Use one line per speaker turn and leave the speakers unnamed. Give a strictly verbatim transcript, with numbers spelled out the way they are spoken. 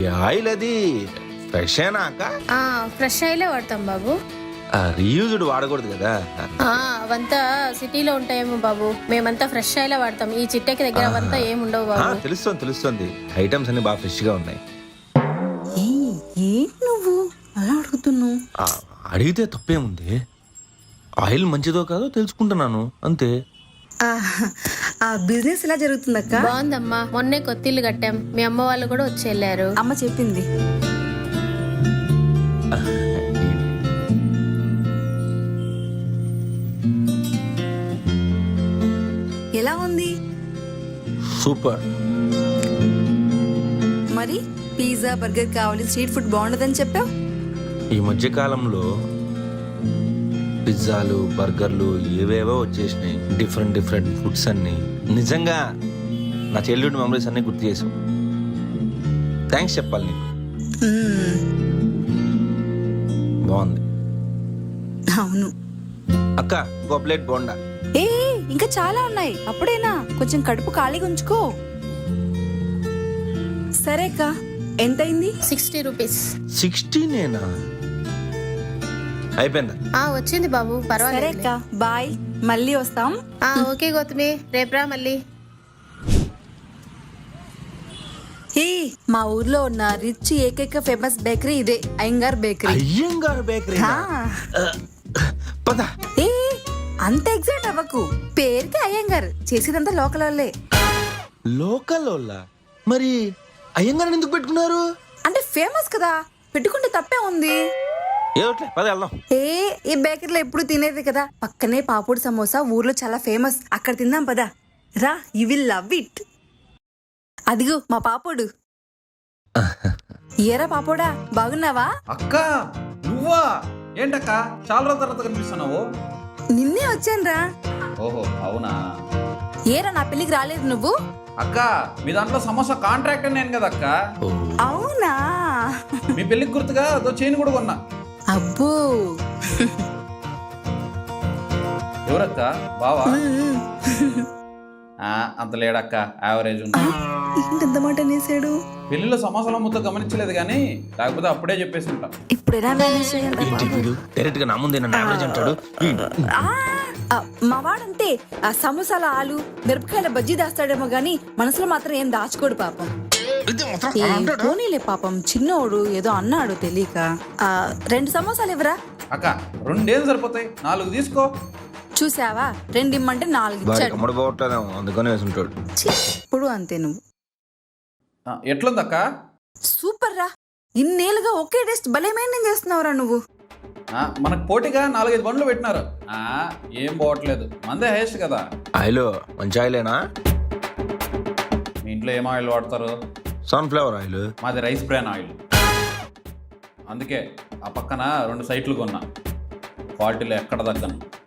Oil అది fresh అయినా అక్క?
ఫ్రెష్ ఆయిలే వాడతాం బాబు.
రీయూజ్డ్ వాడకూడదు కదా?
ఆ, అవంతా సిటీలో ఉంటాయేమో బాబు, మేమంతా ఫ్రెష్ ఆయిలే వాడతాం. ఈ చిట్టకి దగ్గర అవంతా ఏమి ఉండవు బాబు.
తెలుస్తుంది తెలుస్తుంది, ఐటమ్స్ అన్ని బాగా ఫ్రెష్ గా ఉన్నాయి.
ఏంటి నువ్వు అలా అడుగుతున్నావు?
అడిగితే తప్పేముంది, ఆయిల్ మంచిదో కాదో తెలుసుకుంటున్నాను అంతే.
ఆ బిజినెస్ ఎలా జరుగుతుందక్క?
బాగుందమ్మా, మొన్నే కొత్తిల్లు కట్టాం, మీ అమ్మ వాళ్ళు కూడా వచ్చి వెళ్ళారు.
అమ్మ చెప్పింది. ఎలా ఉంది?
సూపర్.
మరి పిజ్జా బర్గర్ కావాలి, స్ట్రీట్ ఫుడ్ బాగుండదని చెప్పావు.
ఈ మధ్య కాలంలో పిజ్జాలు బర్గర్లు ఏవేవో వచ్చేసినాయి, డిఫరెంట్ డిఫరెంట్ ఫుడ్స్ అన్ని. నిజంగా నా చైల్డ్హుడ్ మెమరీస్ అన్ని గుర్తు చేసావు. థ్యాంక్స్ చెప్పాలి నీకు. బాగుంది.
అవును
అక్క, ఒక ప్లేట్ బోండా.
ఏ ఇంకా చాలా ఉన్నాయి, అప్పుడేనా? కొంచెం కడుపు ఖాళీగా ఉంచుకో. సరే అక్క, ఎంతైంది?
Sixty rupees.
సిక్స్టీ నేనా? అయిపోయిందా?
ఆ వచ్చింది బాబు,
సరే
పర్వాలేదు.
అక్క, బాయ్, మళ్ళీ వస్తాం.
ఆ ఓకే గౌతమి, రేపురా మళ్ళీ.
హే, మా ఊర్లో ఉన్న రిచ్ ఏకైక ఫేమస్ బేకరీ ఇదే, అయ్యంగార్ బేకరీ.
అయ్యంగార్ బేకరీ? పద.
ఏ అంత ఎగ్జైట్ అవ్వకు, పేరుకి అయ్యంగార్, చేసేదంతా లోకల్ వాళ్ళే.
లోకల్ వాళ్ళ? మరి అయ్యంగార్ ఎందుకు పెట్టుకున్నారు?
అంటే ఫేమస్ కదా, పెట్టుకుంటే తప్పే ఉంది.
ఏదోట్లే, పద వెళ్దాం.
ఏ ఈ బేకరీలో ఎప్పుడు తినేది కదా, పక్కనే పాపూడి సమోసా ఊర్లో చాలా ఫేమస్, అక్కడ తిందాం పదా. రా, యు విల్ లవ్ ఇట్. అదిగో మా పాపోడు. ఏరా పాపోడా, బాగున్నావా?
అక్క నువ్వా? ఏంటక్క చాలా రోజుల తర్వాత కనిపిస్తున్నావు?
నిన్నే వచ్చానురా.
ఓహో అవునా?
ఏరా నా పెళ్లికి రాలేదు నువ్వు?
అక్క మీ దాంట్లో సమోసా కాంట్రాక్ట్ నేను కదా అక్క.
అవునా?
మీ పెళ్లికి గుర్తుగా అదో చైన్ కూడా కొన్నా.
అబ్బో.
ఎవరక్క? బావా? అంత లేడక్క, యావరేజ్ ఉంది.
ఏంటంత మాట అనేసాడు?
పెళ్లిలో సమోసాల ముద్ద గమనించలేదు కానీ, లేకపోతే అప్పుడే చెప్పేసి ఉంటా.
ఇప్పుడు ఎలా మేనేజ్
డైరెక్ట్ గా నా ముందే నన్ను యావరేజ్ అంటాడు.
మా వాడంతే, ఆ సమోసాల ఆలు మిరపకాయల బజ్జీ దాస్తాడేమో గానీ మనసులో మాత్రం ఏం దాచుకోడు పాపం. పోనీలే పాపం, చిన్నోడు ఏదో అన్నాడు తెలియక. ఆ రెండు సమోసాలు ఇవ్వరా?
అక్క రెండేం సరిపోతాయి, నాలుగు తీసుకో.
చూసావా, రెండు ఇమ్మంటే నాలుగు ఇచ్చాడు.
అందుకనే వేసుంటాడు.
ఇప్పుడు అంతే నువ్వు.
ఎట్లుందక్క?
సూపర్ రా, ఇన్నేళ్ళుగా ఒకే టేస్ట్ భలే మెయింటైన్ చేస్తున్నావురా నువ్వు.
మనకు పోటీగా నాలుగైదు బండ్లు పెట్టినారు, ఏం పోవట్లేదు, మందే హైయెస్ట్ కదా.
ఆయిల్ మంచి ఆయిలేనా?
మీ ఇంట్లో ఏం ఆయిల్ వాడతారు?
Sunflower oil.
మాది రైస్ బ్రాన్ ఆయిల్. అందుకే ఆ పక్కన రెండు సైట్లు కొన్నా, క్వాలిటీలో ఎక్కడ తగ్గను.